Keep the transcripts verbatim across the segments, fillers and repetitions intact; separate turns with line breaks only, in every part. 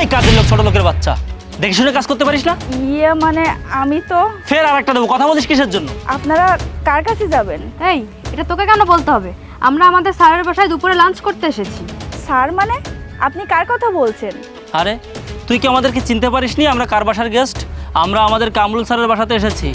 এই কাজের লোক, ছোট লোকের বাচ্চা, দেখে শুনে কাজ করতে পারিস না?
ইয়ে মানে আমি তো।
ফের আর একটা দেবো, কথা বলিস কিসের জন্য?
আপনারা কার কাছে যাবেন?
এই এটা তোকে কেন বলতে হবে? আমরা আমাদের স্যারের বাসায় দুপুরে লাঞ্চ করতে এসেছি।
স্যার মানে আপনি কার কথা বলছেন?
আরে তুই কি আমাদেরকে চিনতে পারিসনি? আমরা কার বাসার গেস্ট? আমরা আমাদের কামরুল স্যারের বাসাতে এসেছি।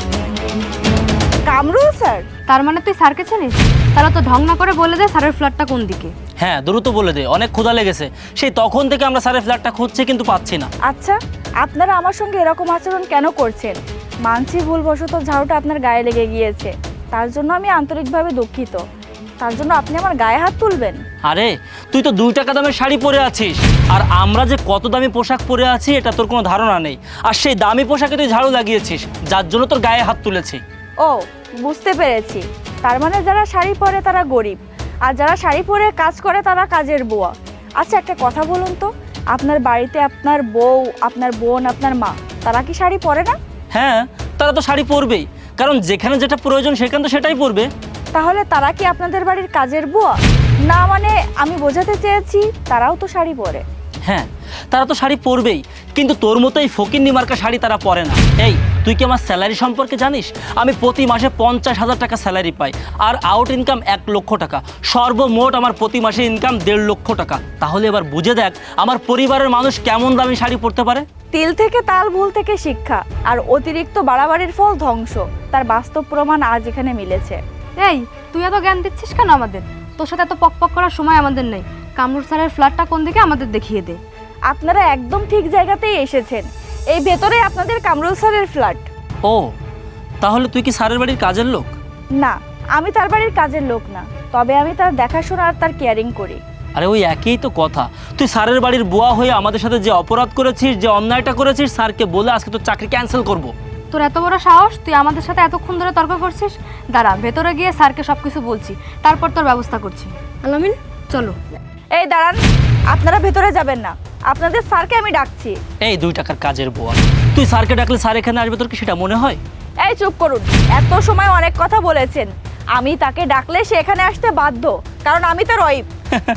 কামরুল স্যার?
তার মানে তুই স্যারকে চিনিস? তাহলে তো ঢং না করে বলে দে স্যারের ফ্ল্যাটটা কোন দিকে।
হ্যাঁ দ্রুত বলে দে, অনেক ক্ষুধা লেগেছে। সেই তখন থেকে আমরা স্যারের ফ্ল্যাটটা খুঁজছি কিন্তু পাচ্ছি না।
আচ্ছা, আপনারা আমার সঙ্গে এরকম আচরণ কেন করছেন? মানছি ভুলবশত ঝাড়ুটা আপনার গায়ে লেগে গিয়েছে, তার জন্য আমি আন্তরিকভাবে দুঃখিত। তার জন্য আপনি আমার গায়ে হাত তুলবেন?
আরে তুই তো দুই টাকা দামের শাড়ি পরে আছিস, আর আমরা যে কত দামি পোশাক পরে আছি এটা তোর কোনো ধারণা নেই। আর সেই দামি পোশাকে তুই ঝাড়ু লাগিয়েছিস, যার জন্য তোর গায়ে হাত তুলেছি।
ও, বুঝতে পেরেছি। তার মানে যারা শাড়ি পরে তারা গরিব, আর যারা শাড়ি পরে কাজ করে তারা কাজের বুয়া। আচ্ছা, একটা কথা বলুন তো, আপনার বাড়িতে আপনার বউ, আপনার বোন, আপনার মা, তারা কি শাড়ি পরে না?
হ্যাঁ, তারা তো শাড়ি পরবেই, কারণ যেখানে যেটা প্রয়োজন সেখানে তো সেটাই পরবে।
তাহলে তারা কি আপনাদের বাড়ির কাজের বুয়া? না মানে আমি বোঝাতে চেয়েছি তারাও তো শাড়ি পরে।
হ্যাঁ, তারা তো শাড়ি পরবেই, কিন্তু তোর মতো এই ফকিন্নি মার্কা শাড়ি তারা পরে না। এই তুই কি আমার স্যালারি সম্পর্কে জানিস? আমি প্রতি মাসে পঞ্চাশ হাজার টাকা স্যালারি পাই, আর আউট ইনকাম এক লক্ষ টাকা। সর্বমোট আমার প্রতি মাসে ইনকাম দেড় লক্ষ টাকা। তাহলে এবার বুঝে দেখ আমার পরিবারের মানুষ কেমন দামি শাড়ি পরতে পারে।
তিল থেকে তাল, ভুল থেকে শিক্ষা, আর অতিরিক্ত বাড়াবাড়ির ফল ধ্বংস, তার বাস্তব প্রমাণ আজ এখানে মিলেছে।
এই তুই এত জ্ঞান দিচ্ছিস কেন আমাদের? তোর সাথে এত পক পক করার সময় আমাদের নেই। কামরুল স্যারের ফ্ল্যাটটা কোন দিকে আমাদের দেখিয়ে দে।
আপনারা একদম ঠিক জায়গাতেই এসেছেন। এই ভেতরে আপনাদের কামরুল স্যারের ফ্ল্যাট।
ও, তাহলে তুই কি স্যারের বাড়ির কাজের লোক?
না, আমি তার বাড়ির কাজের লোক না, তবে আমি তার দেখাশোনা আর তার কেয়ারিং করি।
আরে ওই একই তো কথা। তুই স্যারের বাড়ির বুয়া হয়ে আমাদের সাথে যে অপরাধ করেছিস, যে অন্যায়টা করেছিস, স্যারকে বলে আজকে তোর চাকরি ক্যান্সেল করব।
তোর এত বড় সাহস, তুই আমাদের সাথে এতক্ষণ ধরে তর্ক করছিস? দাঁড়া, ভেতরে গিয়ে স্যারকে সব কিছু বলছি, তারপর তোর ব্যবস্থা করছি। আলামিন চলো।
এই দাঁড়ান, আপনারা ভেতরে যাবেন না, আপনাদের স্যারকে আমি ডাকছি।
এই দুই টাকার কাজের বুয়া, তুই স্যারকে ডাকলে স্যার এখানে আসবে, তোর কি সেটা মনে হয়?
এই চুপ করুন, এত সময় অনেক কথা বলেছেন। আমি তাকে ডাকলে সে এখানে আসতে বাধ্য, কারণ আমি তার ওয়াইফ।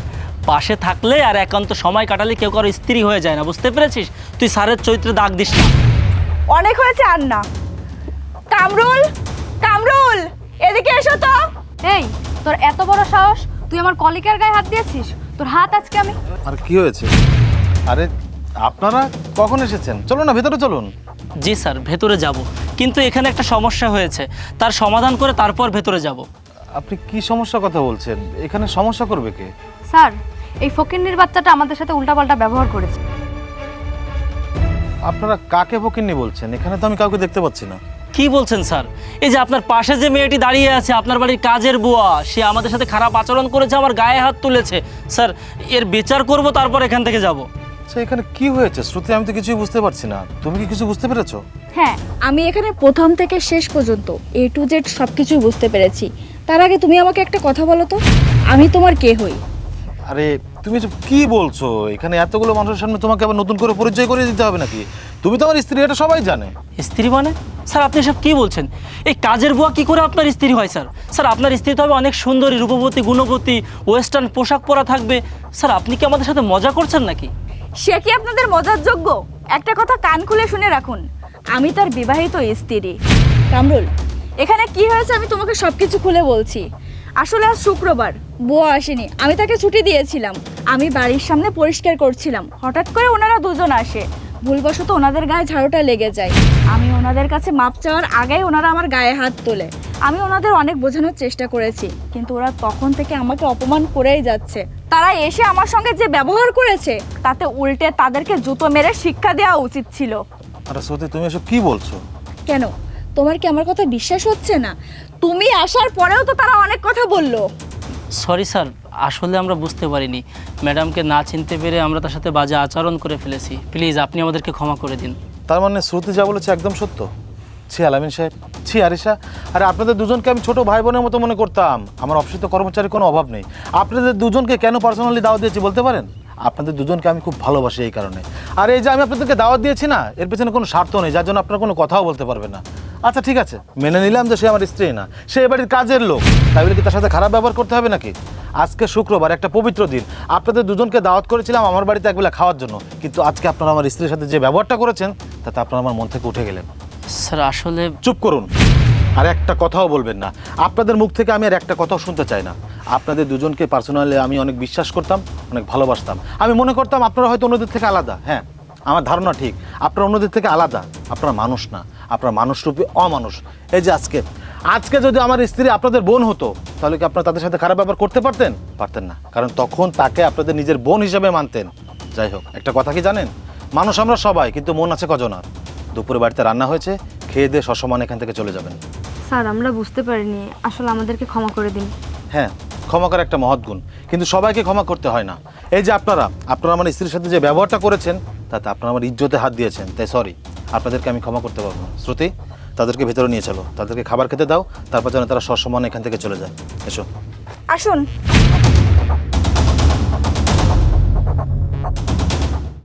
পাশে থাকলে আর একান্ত সময় কাটালে কেউ কারো স্ত্রী হয়ে যায় না, বুঝতে পেরেছিস? তুই স্যারের চরিত্রে দাগ দিস না।
অনেক হয়েছে আর না। কামরুল, কামরুল এদিকে এসো তো।
এই তোর এত বড় সাহস, তুই আমার কলিকের গায়ে হাত দিয়েছিস? তোর হাত আজকে আমি।
আর কি হয়েছে? আরে আপনারা কখন এসেছেন? চলুন না ভেতরে চলুন।
জি স্যার, ভেতরে যাব, কিন্তু এখানে একটা সমস্যা হয়েছে, তার সমাধান করে তারপর ভেতরে যাব।
আপনি কি সমস্যার কথা বলছেন? এখানে সমস্যা করবে কে?
স্যার, এই ফকিন্নির বাচ্চাটা আমাদের সাথে উল্টাপাল্টা ব্যবহার করেছে।
আপনারা কাকে ফকিন্নি বলছেন? এখানে তো আমি কাউকে দেখতে পাচ্ছি না।
কি বলছেন স্যার? এই যে আপনার পাশে যে মেয়েটি দাঁড়িয়ে আছে, আপনার বাড়ির কাজের বুয়া, সে আমাদের সাথে খারাপ আচরণ করেছে, আমার গায়ে হাত তুলেছে। স্যার এর বিচার করব, তারপর এখান থেকে যাব।
আচ্ছা এখানে কি হয়েছে শ্রুতি? আমি তো কিছুই বুঝতে পারছি না। তুমি কি কিছু বুঝতে পেরেছো?
হ্যাঁ, আমি এখানে প্রথম থেকে শেষ পর্যন্ত এ টু জেড সব কিছুই বুঝতে পেরেছি। তার আগে তুমি আমাকে একটা কথা বলো তো, আমি তোমার কে হই?
আরে তুমি এসব কি বলছো? এখানে এতগুলো মানুষের সামনে তোমাকে আবার নতুন করে পরিচয় করে দিতে হবে নাকি? তুমি তো আমার স্ত্রী, এটা সবাই জানে।
স্ত্রী মানে? স্যার আপনি সব কি বলছেন? এই কাজের বুয়া কি করে আপনার স্ত্রী হয় স্যার? স্যার আপনার স্ত্রী তো হবে অনেক সুন্দরী, রূপবতী, গুণবতী, ওয়েস্টার্ন পোশাক পরা থাকবে। স্যার আপনি কি আমাদের সাথে মজা করছেন নাকি?
সে কি আপনাদের মজার যোগ্য? একটা কথা কান খুলে শুনে রাখুন, আমি তার বিবাহিত স্ত্রী। কামরুল, এখানে কি হয়েছে আমি তোমাকে সব কিছু খুলে বলছি। আসলে আজ শুক্রবার, বুয়া আসেনি, আমি তাকে ছুটি দিয়েছিলাম। আমি বাড়ির সামনে পরিষ্কার করছিলাম, হঠাৎ করে ওনারা দুজন আসে। ভুলবশত ওনাদের গায়ে ঝাড়ুটা লেগে যায়। আমি ওনাদের কাছে মাপ চাওয়ার আগেই ওনারা আমার গায়ে হাত তোলে। আমি ওনাদের অনেক বোঝানোর চেষ্টা করেছি, কিন্তু ওরা তখন থেকে আমাকে অপমান করেই যাচ্ছে। তারা এসে আমার সঙ্গে যে ব্যবহার করেছে, তাতে উল্টে তাদেরকে জুতো মেরে শিক্ষা দেওয়া উচিত ছিল।
আরে শ্রুতি তুমি এসব কি বলছো?
কেন, তোমার কি আমার কথা বিশ্বাস হচ্ছে না? তুমি আসার পরেও তো তারা অনেক কথা বললো।
সরি স্যার, আসলে আমরা বুঝতে পারিনি। ম্যাডামকে না চিনতে পেরে আমরা তার সাথে বাজে আচরণ করে ফেলেছি। প্লিজ আপনি আমাদেরকে ক্ষমা করে দিন।
তার মানে শ্রুতি যা বলেছে একদম সত্য? ছি আলামিন সাহেব, ছি আরিশা, আরে আপনাদের দুজনকে আমি ছোট ভাই বোনের মতো মনে করতাম। আমার অফিসে তো কর্মচারীর কোনো অভাব নেই। আপনাদের দুজনকে কেন পার্সোনালি দাওয়াত দিয়েছি বলতে পারেন? আপনাদের দুজনকে আমি খুব ভালোবাসি এই কারণে। আর এই যে আমি আপনাদেরকে দাওয়াত দিয়েছি না, এর পেছনে কোনো স্বার্থ নেই, যার জন্য আপনারা কোনো কথাও বলতে পারবেন না। আচ্ছা ঠিক আছে, মেনে নিলাম যে সে আমার স্ত্রী না, সে এ বাড়ির কাজের লোক, তাই বলে কি তার সাথে খারাপ ব্যবহার করতে হবে নাকি? আজকে শুক্রবার, একটা পবিত্র দিন, আপনাদের দুজনকে দাওয়াত করেছিলাম আমার বাড়িতে একবেলা খাওয়ার জন্য, কিন্তু আজকে আপনারা আমার স্ত্রীর সাথে যে ব্যবহারটা করেছেন তাতে আপনারা আমার মন থেকে উঠে গেলেন।
স্যার আসলে
চুপ করুন, আর একটা কথাও বলবেন না। আপনাদের মুখ থেকে আমি আর একটা কথাও শুনতে চাই না। আপনাদের দুজনকে পার্সোনালি আমি অনেক বিশ্বাস করতাম, অনেক ভালোবাসতাম। আমি মনে করতাম আপনারা হয়তো অন্যদের থেকে আলাদা। হ্যাঁ, আমার ধারণা ঠিক, আপনারা অন্যদের থেকে আলাদা। আপনারা মানুষ না, আপনারা মানুষরূপী অমানুষ। এই যে আজকে আজকে যদি আমার স্ত্রী আপনাদের বোন হতো, তাহলে কি আপনারা তাদের সাথে খারাপ ব্যবহার করতে পারতেন? পারতেন না, কারণ তখন তাকে আপনাদের নিজের বোন হিসেবে মানতেন। যাই হোক, একটা কথা কি জানেন, মানুষ আমরা সবাই, কিন্তু মন আছে কজনার। দুপুরে বাড়িতে রান্না হয়েছে, খেয়ে দিয়ে সসমান এখান থেকে চলে যাবেন।
স্যার আমরা বুঝতে পারিনি, আসলে আমাদেরকে ক্ষমা করে দিন।
হ্যাঁ, ক্ষমা করা একটা মহৎ গুণ, কিন্তু সবাইকে ক্ষমা করতে হয় না। এই যে আপনারা আপনারা আমার স্ত্রীর সাথে যে ব্যবহারটা করেছেন, তাতে আপনারা আমার ইজ্জতে হাত দিয়েছেন, তাই সরি, আপনাদেরকে আমি ক্ষমা করতে পারবো না। শ্রুতি, তাদেরকে ভেতরে নিয়ে চলো, তাদেরকে খাবার খেতে দাও, তারপর যেন তারা সসম্মানে এখান থেকে চলে যায়। এসো।
আসুন।